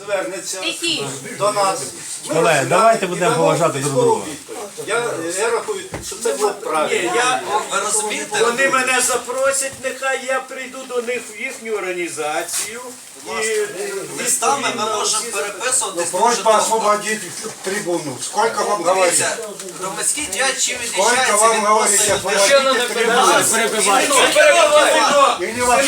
Звернеться до нас. Колеги, давайте будемо поважати друг друга. Я рахую, що це було правильно. Ви розумієте? Вони мене запросять, нехай я прийду до них в їхню організацію. Листами ми можемо переписуватись. Просьба освободить трибуну. Сколько вам говорить? Дивіться, громадський діяч чим Сколько відрізняється вам від говорить просто людини? освободить трибуну? Или вас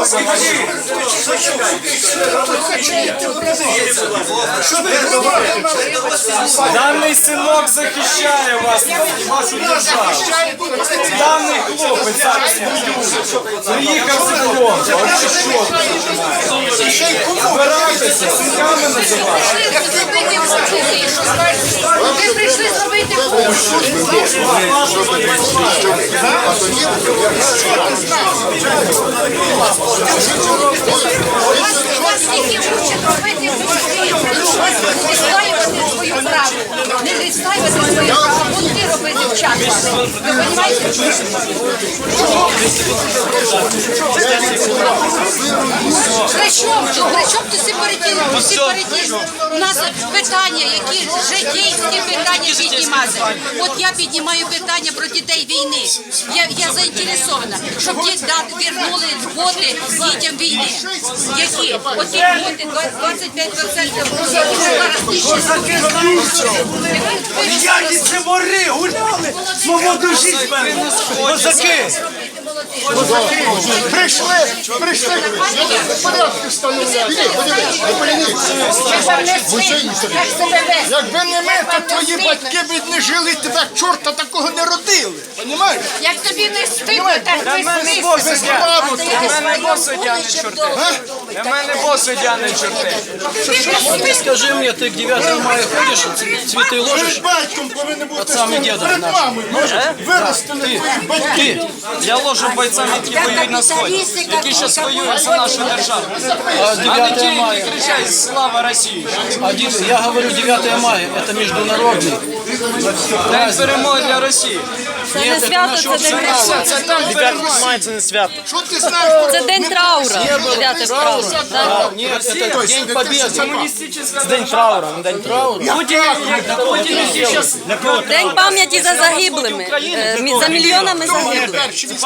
Даний синок захищає вас, вашу державу. Даний хлопець зараз приїхав з фронту. А ви що починаєте? Збирайтеся, синками називаєте. Ви прийшли зробити свою правду. Не відстоювати свою правду, бунти робити в час. Ви розумієте? При чому ти сепаратизм? У нас питання, які житейські питання піднімати. От я піднімаю питання про дітей війни. Я заінтересована, щоб вернули льготи дітям війни. Які? Оті льготи 25%. Ніякі це вори гуляли, свободу життя. Козаки! Пришли. Порядки встановили. Якби не ми, то твої батьки б не жили, тебе чорта такого не родили. Понімаєш? Як тобі не стидно, так Для мене бос суддя не чорти. Для мене бос суддя не чорти. Скажи мне, ты к 9 мая ходишь, цветы ложишь? Перед батьком повинен бути Отцами стол. дедом Перед нашим. мамою, може, виростили твої батьки. Я ложу бойцам, які воюють на сході, які зараз воюють за нашу державу. А 9 мая, Кричать «Слава Росії!» я говорю 9 мая, это международный. День перемоги для Росії. Нет, это наше общество. Це там перемоги. Це не свято. Що ти знаєш? Це день траура. 9 траура. Нет, это День Победы. День траура, не день траура. День пам'яті за загиблими. За мільйонами загиблих.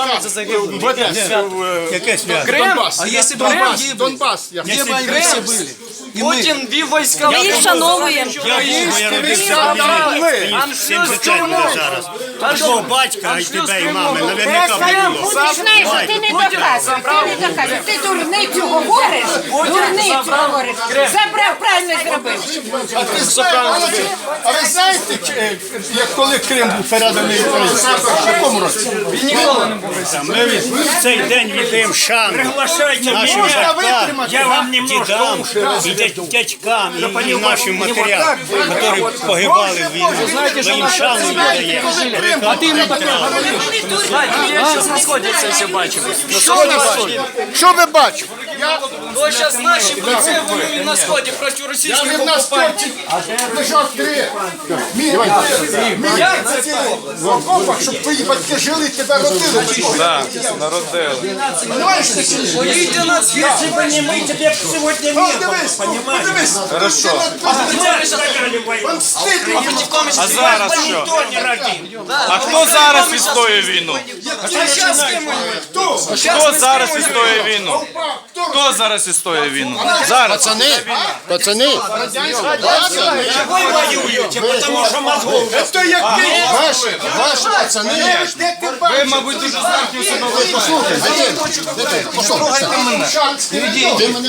Яке свято? Донбас. А если бы Донбас. они Донбас. где бы они все были? И мы. Путін вів війська. Ми їх вшановуємо. Я родився в Білій. Мені 70 буде зараз. Такого батька, і тебе, і мами, наверняка не було. Ти знаєш, що ти не доказуєш. Ти дурницю говориш, дурницю говориш. Забрав, правильно зробив. А ви знаєте, як коли Крим був переданий Україні? В якому році? Ми в цей день віддаємо шану нашим батькам, дідам, і дядькам, і нашим матерям, які погибали в війні. Ми їм шану віддаємо. А ты ему такое говоришь? Я зараз на сході це все бачив. Що ви бачите? Бо зараз наші бойці воюють на сході проти Я російських в нас окупантів. лежав 3 в окопах, щоб твої батьки жили і тебе родили. Так, народили. Понимаєш, ти Поїдьте на схід. Если бы не мы, тебе бы сегодня не было, понимаешь? Подивись. Хорошо. Вам стидно. А зараз що? Никто не родил. А хто зараз відстоює війну? Хто зараз відстоює війну? Хто зараз відстоює війну? Зараз. Пацани. Вы воюете, потому что мозгов. Це який? Ваші пацани. Ви, мабуть, дуже зверхньо себе вважаєте. Послухайте мене. Ти мене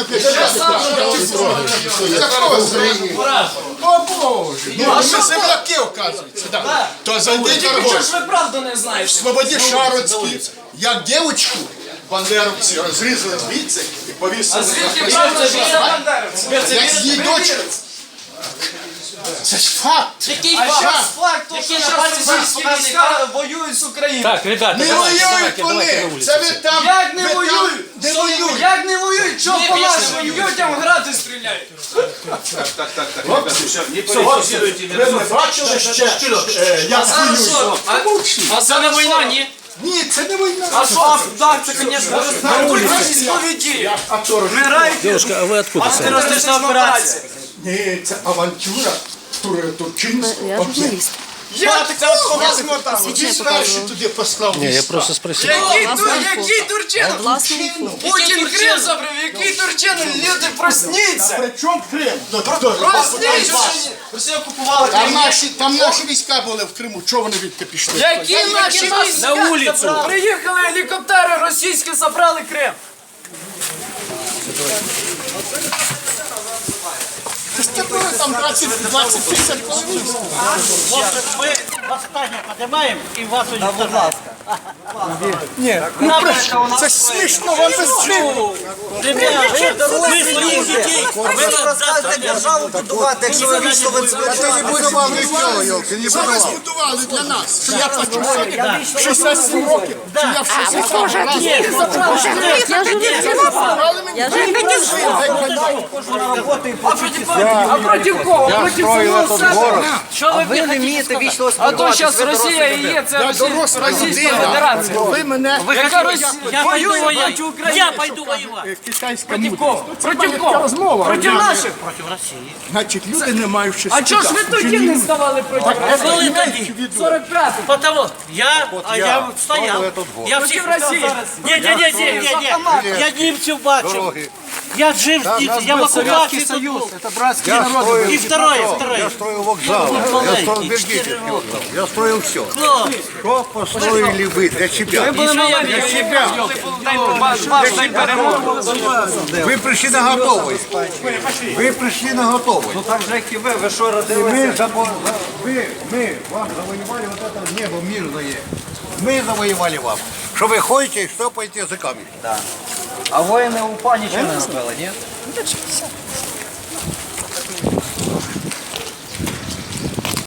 О Боже. Ну, ми земляки, оказується. То зайди, дорогой. Ви правду не знаєте. Свободі Шароцький, як дівчинку, бандеровці розрізали звідси і повісили. Звідки правда, що я бандеровець? Як її дочка. Це ж факт. Який факт? Які на російські війська воюють з Україною? Так, ребята, Не воюють вони. Це ви там. Як не ви там воюють? Не воюють. Як не воюють? Що по нашим людям грати стріляють? Ви не бачили ще, як воюють. А це не війна, ні? Ні, це не війна. А що? Так, це, звісно, сповіді. А хто ж? Вмирають Девушка, а ви откуда? антитерористична операція. Ні, це авантюра. Турчинська. Я журналіст. Як це по вас мотало? Ти перший туди послав. Ні, я просто спросив. Який Турчин? Путін Крим забрав, який Турчин? Люди, просніться! При чому Крим? Просніться! Росія окупувала Крим. Там наші війська були в Криму. Чого вони відти пішли? Які наші війська? На вулицю. Приїхали гелікоптери російські, забрали Крим. Там 20-30 половин. Ми останнє піднімаємо і вас Ні, це смішно, вам без чого. Ми своїх дітей. державу будувати, якщо ви вічно Це не будували нічого, Йолки, не будували. Це ви збудували для нас, що я плачу сьогодні 67 років, що я в 67 років. Я журналіст. А проти кого? Проти самого себе? Що ви ви не вмієте вічно А то зараз Росія і є, це Російська Федерація. Ви мене, Яка Росія воює проти України. Я пойду воювати. китайська Проти мудрость. кого? Проти Така кого? розмова. Проти наших. Значить, люди не мають що А чого ж ви тоді не ставали проти Коли Росії? тоді? 45-му. Потому я стояв. Я всіх Росії. Ні. Я німців бачив. Я жив з німцями, я в окупації тут був. І второе. Я строил вокзал, я строил Бергитовский вокзал, я строил все. Что построили вы для себя? Для себя. Вы пришли на готовый. Вы пришли на готовый. Ну так же, як і ви що И родилися? мы вам завоевали вот это небо мирное. Мы завоевали вам. Что вы ходите и штопаете языками. А воїни УПА нічого не робили, ні?